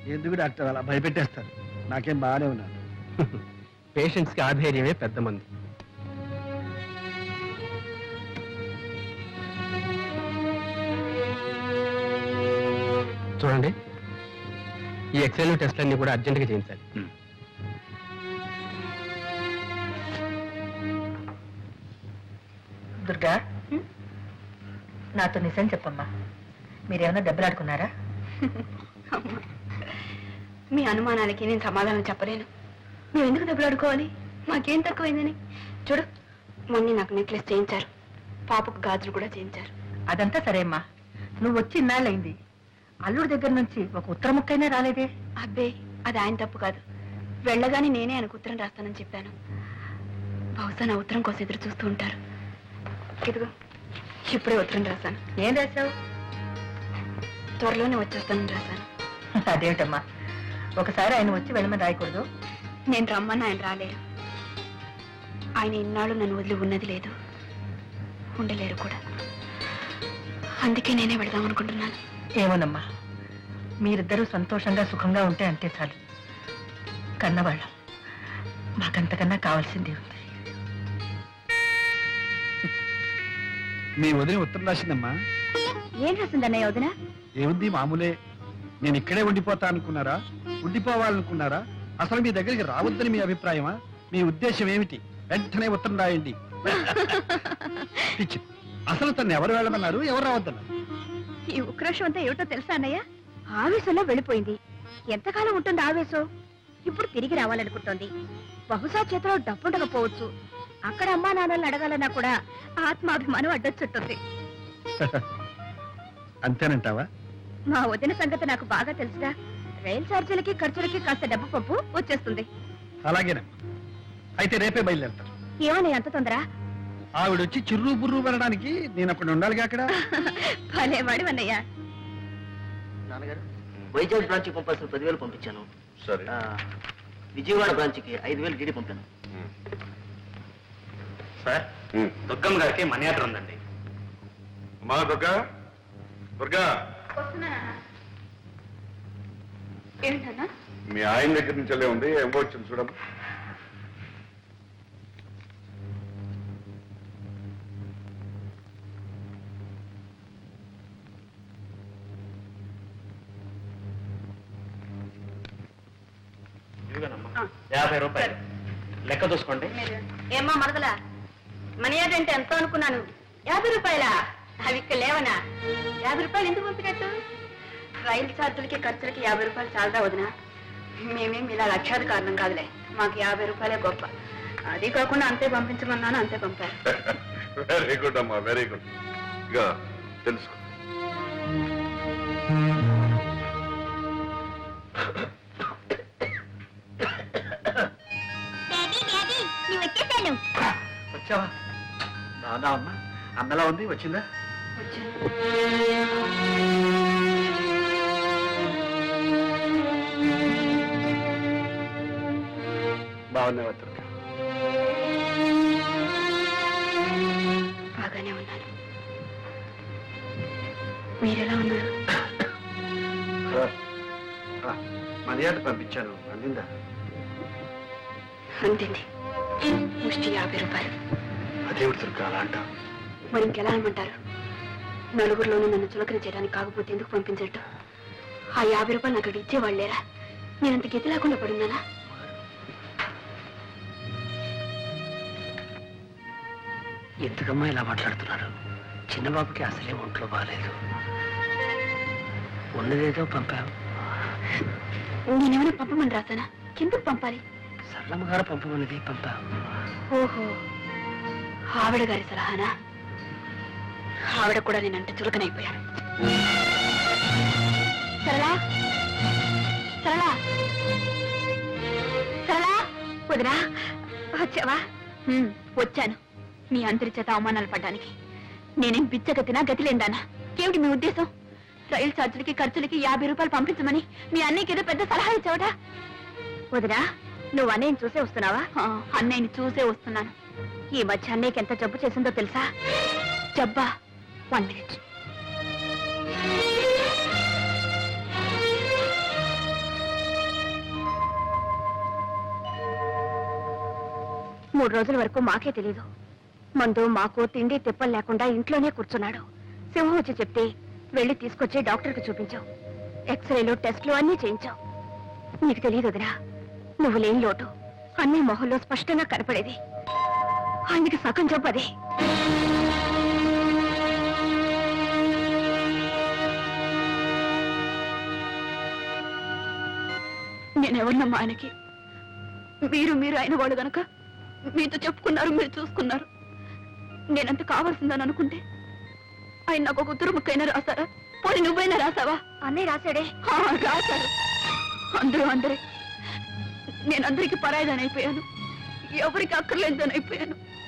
ఎందుకు డాక్టర్ అలా భయపెట్టేస్తారు? నాకేం బాగానే ఉన్నాను. పేషెంట్స్కి ఆధైర్యమే పెద్ద మంది. చూడండి, ఈ ఎక్స్రేలు టెస్ట్లన్నీ కూడా అర్జెంటుగా చేయించాలి. దుర్గా, నాతో నిజం చెప్పమ్మా, మీరేమన్నా దెబ్బలాడుకున్నారా? మీ అనుమానాలకి నేను సమాధానం చెప్పలేను. మేము ఎందుకు దెబ్బలాడుకోవాలి? మాకేం తక్కువైందని. చూడు, మొన్న నాకు నెక్లెస్ చేయించారు, పాపకు గాజులు కూడా చేయించారు. అదంతా సరే అమ్మా, నువ్వు వచ్చి ఇన్నాళ్ళైంది, అల్లుడి దగ్గర నుంచి ఒక ఉత్తర ముక్కైనా రాలేదే? అబ్బే, అది ఆయన తప్పు కాదు. వెళ్ళగానే నేనే ఆయనకు ఉత్తరం రాస్తానని చెప్పాను. బహుశా నా ఉత్తరం కోసం ఎదురు చూస్తూ ఉంటారు. ఇదిగో, ఇప్పుడే ఉత్తరం రాశాను. ఏం రాశావు? త్వరలోనే వచ్చేస్తానని రాశాను. అదేమిటమ్మా, ఒకసారి ఆయన వచ్చి వెళ్ళమని రాయకూడదు? నేను రమ్మని ఆయన రాలేరు. ఆయన ఇన్నాళ్ళు నన్ను వదిలి ఉన్నది లేదు, ఉండలేరు కూడా. అందుకే నేనే వెళదాం అనుకుంటున్నాను. ఏమోనమ్మా, మీరిద్దరూ సంతోషంగా సుఖంగా ఉంటే అంతే చాలు. కన్నవాళ్ళం, మాకంతకన్నా కావాల్సింది ఉంది. మీ వదిన ఉత్తరం రాసిందమ్మా. ఏం రాసిందన్నయ్య వదిన? ఏముంది, మామూలే. నేను ఇక్కడే ఉండిపోతా అనుకున్నారా, ఉండిపోవాలనుకున్నారా, అసలు మీ దగ్గరికి రావద్దని మీ అభిప్రాయమా? మీ ఉద్దేశం ఏమిటి? వెంటనే ఉత్తరం రాయండి. పిచ్చి. అసలు తను ఎవరు వెళ్ళమన్నారు, ఎవరు రావద్దన్నారు? ఈ ఉక్రోషం అంతా ఏమిటో తెలుసా అన్నయ్య? ఆవేశంలో వెళ్ళిపోయింది. ఎంతకాలం ఉంటుంది ఆవేశం? ఇప్పుడు తిరిగి రావాలనుకుంటోంది. బహుశా చేతిలో డబ్బుండకపోవచ్చు. అక్కడ అమ్మా నాన్నల్ని అడగాలన్నా కూడా ఆత్మాభిమానం అడ్డొచ్చుంటుంది. అంతేనంటావా? మా వదిన సంగతి నాకు బాగా తెలుసుగా. రైలు ఛార్జీలకి ఖర్చులకి కాస్త డబ్బు పప్పు వచ్చేస్తుంది. అలాగేనమ్మా, అయితే రేపే బయలుదేరతాను. ఏమని అంత తొందర? ఆవిడొచ్చి చిర్రు బుర్రు పడడానికి నేను అప్పుడు ఉండాలిగా అక్కడ. భలేవాడు అన్నయ్య. నాన్నగారు, వైజాగ్ బ్రాంచ్ కి పంపాల్సిన 10,000 పంపించాను. సరే. విజయవాడ బ్రాంచ్ కి 5,000 డీడీ పంపాను. సార్, దుర్గమ్మ గారికి మనీ ఆర్డర్ ఉందండి. అమ్మా దుర్గా, దుర్గా, ఏంటన్నా? మీ ఆయన దగ్గర నుంచి వెళ్ళే ఉంది, ఏమో వచ్చింది చూడమ్మా. ఇదిగోనమ్మా, 50 రూపాయలు లెక్క చూసుకోండి. ఏమ్మా మరదలా, మనీ ఆర్డర్ అంటే ఎంతో అనుకున్నాను. 50 రూపాయలా? అవి ఇక్కడ లేవనా? 50 రూపాయలు ఎందుకు పంపినట్టు? రైలు ఛార్జీలకి ఖర్చులకి 50 రూపాయలు చాలదా వదినా? మేమేం ఇలా లక్షాది కారణం కాదులే, మాకు 50 రూపాయలే గొప్ప. అది కాకుండా అంతే పంపించమన్నాను, అంతే పంపారు. వెరీ గుడ్ అమ్మా, వెరీ గుడ్. ఇక తెలుసుకో. వచ్చావా? బాగా అమ్మా, అన్నలా ఉంది, వచ్చిందా? బాగున్నావా దుర్గా? బాగానే ఉన్నాను. మీరెలా ఉన్నారు? మర్యాద పంపించాను, అందిందా? అంతేంది, ముష్టి 50 రూపాయలు. అదేవిడు దుర్గా అలా అంటావు? మరి ఇంకెలా అనమంటారు? నలుగురిలోనూ నన్ను చులకన చేయడానికి కాకపోతే ఎందుకు పంపించట్టు? ఆ 50 రూపాయలు నాకు ఇచ్చేవాళ్ళు లేరా? నేనంత గతి లేకుండా పడున్నానా? ఎందుకమ్మా ఇలా మాట్లాడుతున్నారు? చిన్నబాబుకి అసలే ఒంట్లో బాగాలేదు. ఉన్నదేదో పంపావు. నేనేమైనా పంపమని రాసానా? ఎందుకు పంపాలి? సరళమ్మ గారు పంపమన్నది పంపావు. ఓహో, ఆవిడ గారి సలహానా? ఆవిడ కూడా నేనంటే చులకనైపోయాను. సరళా, సరళా, సరళా, వదినా వచ్చావా? వచ్చాను. మీ అందరి చేత అవమానాలు పడ్డానికి. నేనేం బిచ్చగతినా, గతిలేందానా? ఏమిటి మీ ఉద్దేశం? రైలు ఛార్జీలకి ఖర్చులకి 50 రూపాయలు పంపించమని మీ అన్నయ్యకి ఏదో పెద్ద సలహా ఇచ్చావట. వదినా, నువ్వు అన్నయ్యని చూసే వస్తున్నావా? అన్నయ్యని చూసే వస్తున్నాను. ఈ మధ్య అన్నయ్యకి ఎంత జబ్బు చేసిందో తెలుసా? జబ్బా? 1 మినిట్. 3 రోజుల వరకు మాకే తెలీదు. మందు మాకు తిండి తిప్పలు లేకుండా ఇంట్లోనే కూర్చున్నాడు. సింహం వచ్చి చెప్తే వెళ్ళి తీసుకొచ్చి డాక్టర్కి చూపించావు. ఎక్స్రేలు టెస్టులు అన్నీ చేయించావు. నీకు తెలియదు వదినా, నువ్వు లేని లోటు అన్ని మొహంలో స్పష్టంగా కనపడేది. ఆయనకి సగం జబ్బు అదే. నేనెవరినమ్మా ఆయనకి? మీరు అయిన వాళ్ళు గనక మీతో చెప్పుకున్నారు, మీరు చూసుకున్నారు. నేనంత కావాల్సిందని అనుకుంటే ఆయన నాకు ఒక ఉత్తర ముక్కైనా రాశారా? పోనీ నువ్వైనా రాసావా? అన్నయ్య రాశాడే. రాశారు అందరే. నేనందరికీ పరాయిదానైపోయాను, ఎవరికి అక్కర్లేదని అయిపోయాను.